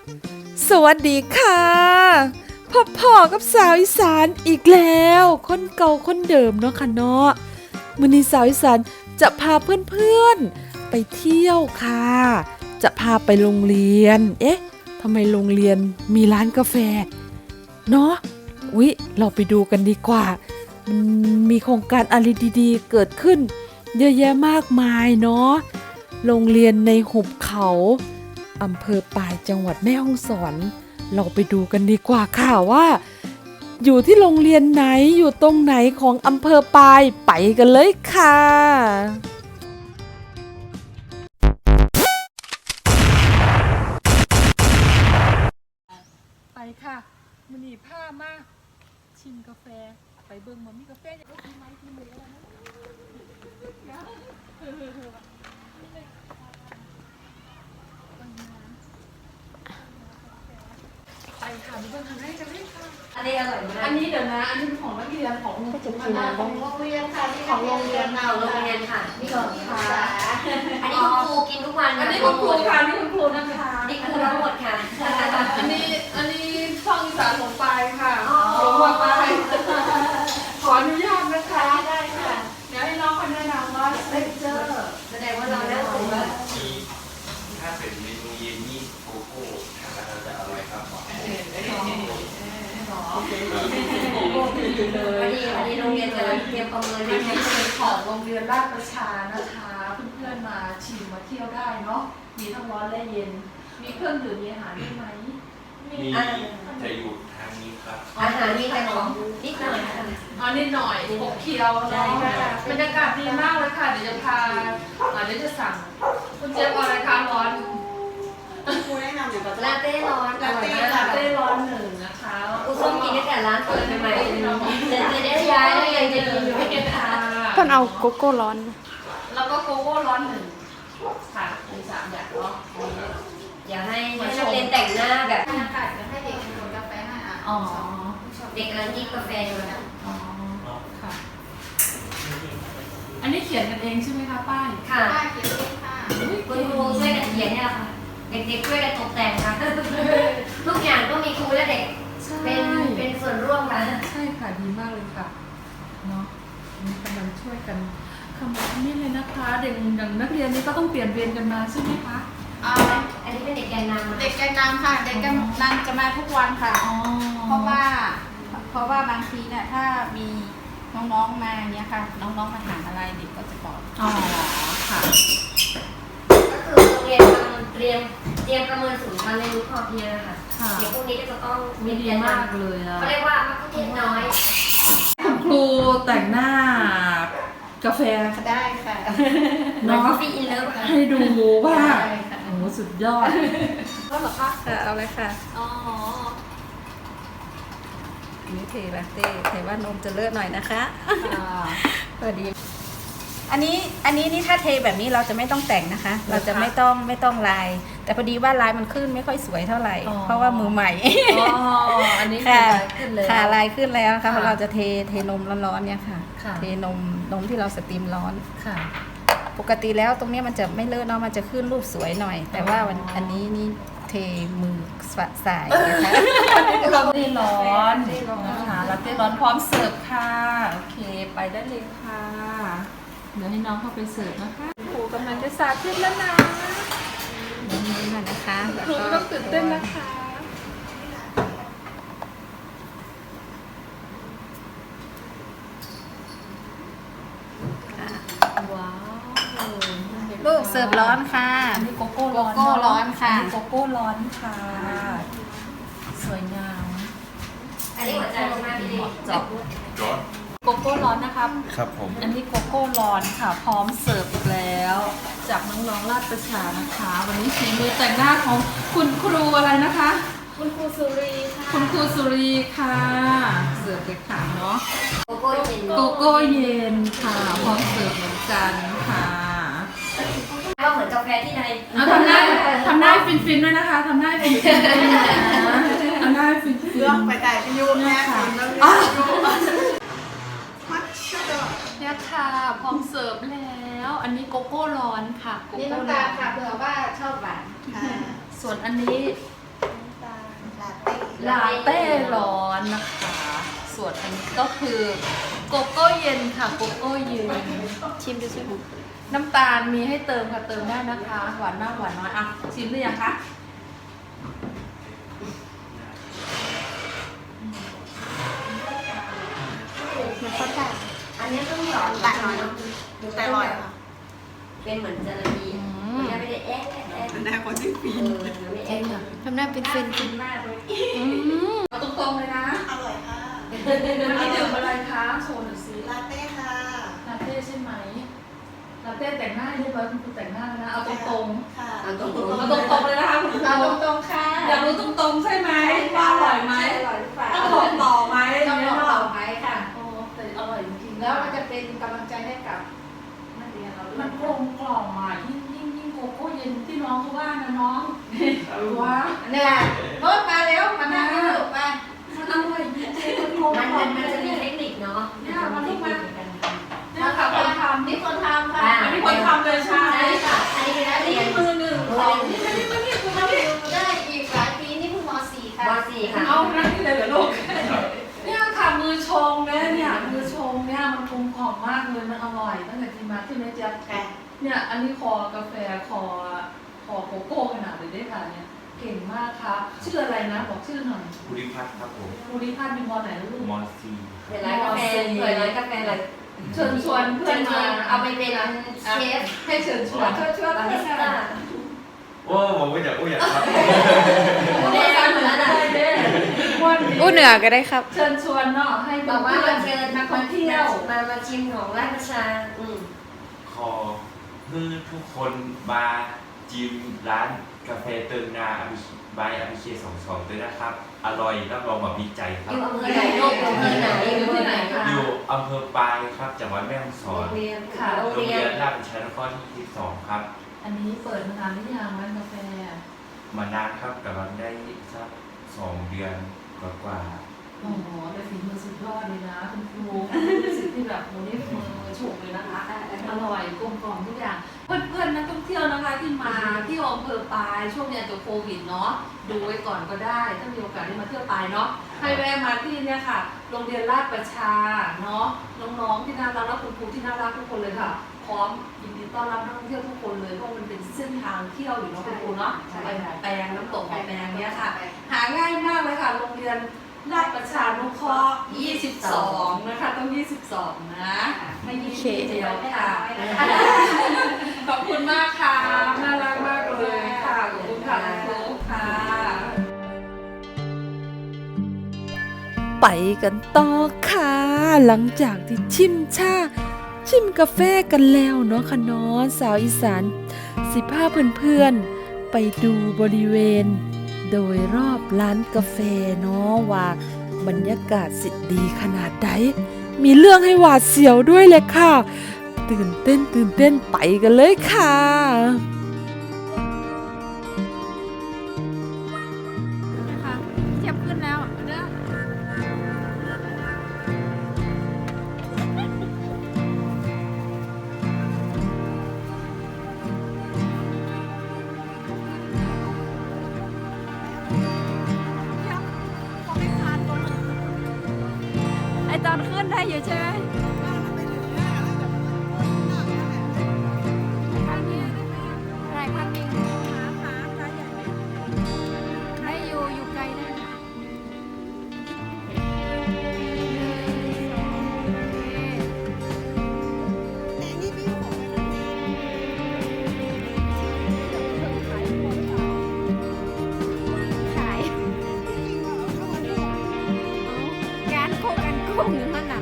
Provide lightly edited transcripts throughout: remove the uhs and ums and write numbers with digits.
สวัสดีค่ะพ่อกับสาวอีสานอีกแล้วคนเก่าคนเดิมเนาะค่ะเนาะมื้อนี้สาวอีสานจะพาเพื่อนๆไปเที่ยวค่ะจะพาไปโรงเรียนทำไมโรงเรียนมีร้านกาแฟเนาะเราไปดูกันดีกว่ามันมีโครงการอะไรดีๆเกิดขึ้นเยอะแยะมากมายเนาะโรงเรียนในหุบเขาอำเภอปายจังหวัดแม่ฮ่องสอนเราไปดูกันดีกว่าค่ะว่าอยู่ที่โรงเรียนไหนอยู่ตรงไหนของอำเภอปายไปกันเลยค่ะไปค่ะมื้อนี้พามาชิมกาแฟไปเบิ่งว่ามีกาแฟอย่างไรไหมที่มืออะไรนะไปค่ะไปเบิ่งทางไหนกันเลยค่ะอันนี้อร่อยมากอันนี้เดี๋ยวนะอันนี้เป็นของนักเรียนของก็จะกินของโรงเรียนค่ะนี่ของโรงเรียนเราโรงเรียนค่ะนี่ของค่ะอันนี้คุณครูกินทุกวันอันนี้คุณครูค่ะนี่คุณครูนะคะนี่ครูทั้งหมดค่ะอันนี้ช่องอีสานหลงไปค่ะหลงมาไปขออนุญาตนะคะได้ค่ะเดี๋ยวให้น้องเขาแนะนำว่าเลคเจอร์แสดงว่าเราได้ถึงว่าถ้าเป็นเมนูเย็นนี่โกโก้เราจะอร่อยครับวันนี้โรงเรียนจะเตรียมประเมินอันนี้เป็นของโรงเรียนราชประชานะคะเพื่อนๆมาชิมมาเที่ยวได้เนาะมีทั้งร้อนและเย็นมีเครื่องดื่มมีอาหารได้ไหมมีจะอยู่ทางนี้ครับอาหารมีแต่ของนิดหน่อยค่ะนิดหน่อยขบเคี้ยวเนาะบรรยากาศดีมากเลยค่ะเดี๋ยวจะพาเดี๋ยวจะสั่งคุณเจี๊ยบอะไรคะร้อนครูแนะนำอยู่กับลาเต้ร้อนลาเต้ร้อนหนึ่งนะคะครูส้มกินตั้งแต่ร้านเปิดใหม่ๆแต่จะได้ย้ายแล้วยังจะกินอยู่ไม่เก็บค่ะต้นเอาโกโก้ร้อนแล้วก็โกโก้ร้อนหนึ่งค่ะมี3อย่างเนาะอยากให้นักเรียนแต่งหน้าแบบอากาศจะให้เด็กกินกาแฟให้เด็กกำลังกินกาแฟอยู่นะค่ะอันนี้เขียนกันเองใช่ไหมคะป้ายค่ะป้าเขียนเองค่ะคุณครูช่วยกันเขียนเนี่ยแหละค่ะเด็กๆช่วยกันตกแต่งค่ะทุกอย่างต้องมีครูและเด็กเป็นส่วนร่วมค่ะใช่ค่ะดีมากเลยค่ะเนาะนี่กำลังช่วยกันทำนี่เลยนะคะเด็กอย่างนักเรียนนี่ก็ต้องเปลี่ยนเวรกันมาใช่ไหมคะอันนี้เป็นเด็กแกนนำเด็กแกนนำค่ะเด็กแกนนำจะมาทุกวันค่ะเพราะว่าบางทีเนี่ยถ้ามีน้องๆมาเนี้ยค่ะน้องๆมาถามอะไรเด็กก็จะตอบค่ะก็คือโรงเรียนเตรียมประเมินศูนย์การเรียนรู้พอเพียงนะคะเดี๋ยวพวกนี้ก็จะต้องมีดีมากเลยเขาเรียกว่ามัธยมน้อยคุณครูแต่งหน้ากาแฟได้ค่ะน้องฟีอินเลิฟให้ดูว่าโอ้สุดยอดก็เหรอคะเอาเลยค่ะนี่เทลาเต้เทว่านมจะเลอะหน่อยนะคะพอดีอันนี้นี่ถ้าเทแบบนี้เราจะไม่ต้องแต่งนะคะเราจะไม่ต้องลายแต่พอดีว่าลายมันขึ้นไม่ค่อยสวยเท่าไหร่เพราะว่ามือใหม่อันนี้ค่ะขึ้นเลยค่ะลายขึ้นแล้วค่ะเพราะเราจะเทนมร้อนๆเนี่ยค่ะเทนมที่เราสตรีมร้อนค่ะปกติแล้วตรงนี้มันจะไม่เลอะเนาะมันจะขึ้นรูปสวยหน่อยแต่ว่าอันนี้นี่เทมือสายนะคะลาเต้ร้อนนะคะลาเต้ร้อนพร้อมเสิร์ฟค่ะโอเคไปได้เลยค่ะเดี๋ยวให้น้องเข้าไปเสิร์ฟนะคะครูกำลังจะสาธิตแล้วนะนี่นะคะครูต้องตื่นเต้นนะคะว้าวลูกเสิร์ฟร้อนค่ะอันนี้โกโก้ร้อนค่ะโกโก้ร้อนค่ะสวยงามอันนี้หัวใจมากพี่จอดโกโก้ร้อนนะครับครับผมอันนี้โกโก้ร้อนค่ะพร้อมเสิร์ฟอีกแล้วจากน้องๆราชประชานะคะวันนี้ฝีมือแต่งหน้าของคุณครูอะไรนะคะคุณครูสุรีค่ะคุณครูสุรีค่ะเสิร์ฟเลยค่ะเนาะโกโก้เย็นโกโก้เย็นค่ะพร้อมเสิร์ฟเหมือนกันค่ะก็เหมือนกาแฟที่ใดทำได้ฟินๆด้วยนะคะทำได้ฟินๆด้วยนะทำได้ฟินๆเลือกไปแต่ไปยุ่งแม่ค่ะเนี่ยค่ะพร้อมเสิร์ฟแล้วอันนี้โกโก้ร้อนค่ะนี่น้ำตาลค่ะเผื่อว่าชอบหวานส่วนอันนี้ลาเต้ร้อนนะคะ ส่วนอันนี้ก็คือโกโก้เย็นค่ะโกโก้เย็นชิมดูสิน้ำตาลมีให้เติมค่ะเติมได้นะคะ หวานมากหวานน้อยอ่ะชิมหรือยังคะมันก็แต่อันนี้ต้องหยอดแต่น้อยแต่อร่อยค่ะเป็นเหมือนจาระบีมันจะไม่ได้แอ๊ะเป็นหน้าคนที่ฟินไม่แอ๊ะค่ะทำหน้าเป็นเฟนฟินมากเลยเอาตรงๆเลยนะอร่อยค่ะอันนี้ดื่มอะไรคะโชว์หน่อยสิลาเต้ค่ะลาเต้ใช่ไหมลาเต้แต่งหน้าเรียบร้อยคุณครูแต่งหน้าแล้วนะเอาตรงค่ะเอาตรงๆเอาตรงๆเลยนะคะคุณครูเอาตรงๆค่ะอยากรู้ตรงๆใช่ไหมว่าอร่อยไหมอร่อยหรือเปล่าต้องบอกต่อไหมต้องบอกต่อไหมค่ะโอ้แต่อร่อยจริงๆแล้วมันจะเป็นกำลังใจให้กับนักเรียนเราด้วยมันกลมกล่อมอ่ะยิ่งโกโก้เย็นที่น้องเขาว่านะน้องว้าเนี่ยรถมาแล้วมานั่งให้ลูกมามันอร่อยจริงๆมันกลมมันกล่อมจะมีเทคนิคเนาะเนี่ยมันลูกมากันเนี่ยค่ะคนทำนี่คนทำค่ะอันนี้คนทำเลยใช่ใช่ค่ะ อันนี้เป็นนักเรียนมือหนึ่งสองนี่นี่นี่นี่คุณทำนี่อยู่ได้อีกหลายปีนี่เพิ่งม .4 ค่ะม .4 ค่ะเอานั่นนี่เลยเหรอลูกเนี่ยค่ะมือชงเนี่ยมือชงเนี่ยมันกลมกล่อมมากเลยมันอร่อยตั้งแต่กินมาที่แม่เจี๊ยบค่ะเนี่ยอันนี้คอกาแฟคอโกโก้ขนาดเลยได้ค่ะเนี่ยเก่งมากครับชื่ออะไรนะบอกชื่อหน่อยภูริพัฒน์ครับผมภูริพัฒน์เป็นมอไหนลูกมอซีเปิดร้านกาแฟเปิดร้านกาแฟอะไรเชิญชวนเพื่เพื่ออน นมามาเอาไปเป็นเชฟให้เชิญชวนช่วยบาเพื่ริอนสต้าโอ้ผมไม่อยากครับแดงเหมือนอะไรเด้วันนี้อู้เหนือก็ได้ครับเชิญชวนเนาะให้บอกว่าเพื่อมาน เชิญนักท่องเที่ยวมาชิมของราชประชาขอให้ทุกคนมาจิมร้านกาแฟเติมนาบายอภิเชษ22ด้วยนะครับ อร่อยรับรองแบบมีใจคอรับยู่อำเภอไหนโลกอำเภอไหนอยู่ที่ไหนคะอยู่อำเภอปายครับจังหวัดแม่ฮ่องสโรอนงเรียนค่ะโรงโรงเรียเรีนยนราชประชานครที่22ครับอันนี้เปิดมานานหรือยังร้านกาแฟมานานครับกำลังได้สัก2 เดือนกว่าโอ้โหแต่ฝีมือสุดยอดเลยนะคุณครูรู้สึกที่แบบโมนี่มือฉกเลยนะคะอร่อยกลมกล่อมทุกอย่าง เพื่อนๆนักท่องเที่ยวนะคะที่มาที่อำเภอปายช่วงเนี้ยตัวโควิดเนาะดูไว้ก่อนก็ได้ถ้ามีโอกาสได้มาเที่ยวปายเนาะให้แวะมาที่เนี่ยค่ะโรงเรียนราชประชาเนาะน้องๆที่น่ารักและคุณครูที่น่ารักทุกคนเลยค่ะพร้อมยินดีต้อนรับนักท่องเที่ยวทุกคนเลยเพราะมันเป็นเส้นทางเที่ยวอยู่เนาะคุณครูเนาะไปหาแปลงน้ำตกหาแปลงเนี้ยค่ะ หาง่ายมากเลยค่ะโรงเรียนราชประชานุเคราะห์22 นะคะต้อง 22 นะไม่20เดียวค่ะ ขอบคุณมากค่ะ น่ารักมากเลยค่ะ ขอบคุณค่ะคุณครูค่ะ ไปกันต่อค่ะ หลังจากที่ชิมกาแฟกันแล้วเนาะค่ะเนาะสาวอีสาน15เพื่อนๆไปดูบริเวณ โดยรอบร้านกาแฟเนาะว่าบรรยากาศสิดีขนาดใดมีเรื่องให้หวาดเสียวด้วยเลยค่ะ ตื่นเต้นไปกันเลยค่ะนะคะเทียบขึ้นแล้วเด้อ ไอตอนขึ้นได้อยู่ใช่ไหมข้างนี้ได้ข้างนี้ขาใหญ่ได้อยู่ไกลได้ขายการโคกันกุ้งอยู่นั่นน่ะ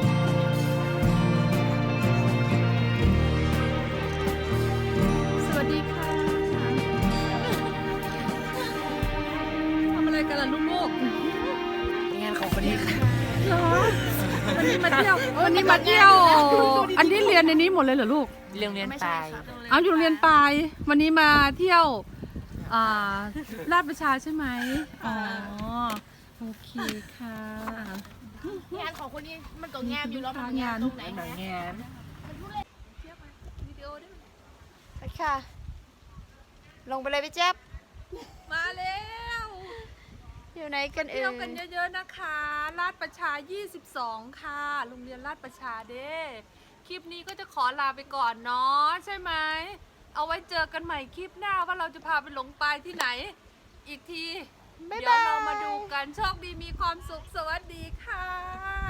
สวัสดีเที่ยววันนี้มาเที่ยว อันนี้เรียนในนี้หมดเลยเหรอลูกเรียนปลายเอาอยู่โรงเรียนปลายวันนี้มาเที่ยวลาดประชาใช่ไหมอ๋อโอเคค่ะงานของคนนี้มันก็งามอยู่แล้วงานตรงไหนงานไปค่ะ ลงไปเลยพี่เจ๊บมาแล้วอยู่ไหนกันเอ่เที่ยวย กันเยอะๆนะคะลาดประชา 22 ค่ะโรงเรียนลาดประชาเด้คลิปนี้ก็จะขอลาไปก่อนเนาะใช่ไหมเอาไว้เจอกันใหม่คลิปหน้าว่าเราจะพาไปหลงปลายที่ไหน อีกทีบ๊ายเดี๋ยวบายเรามาดูกันโชคดีมีความสุขสวัสดีค่ะ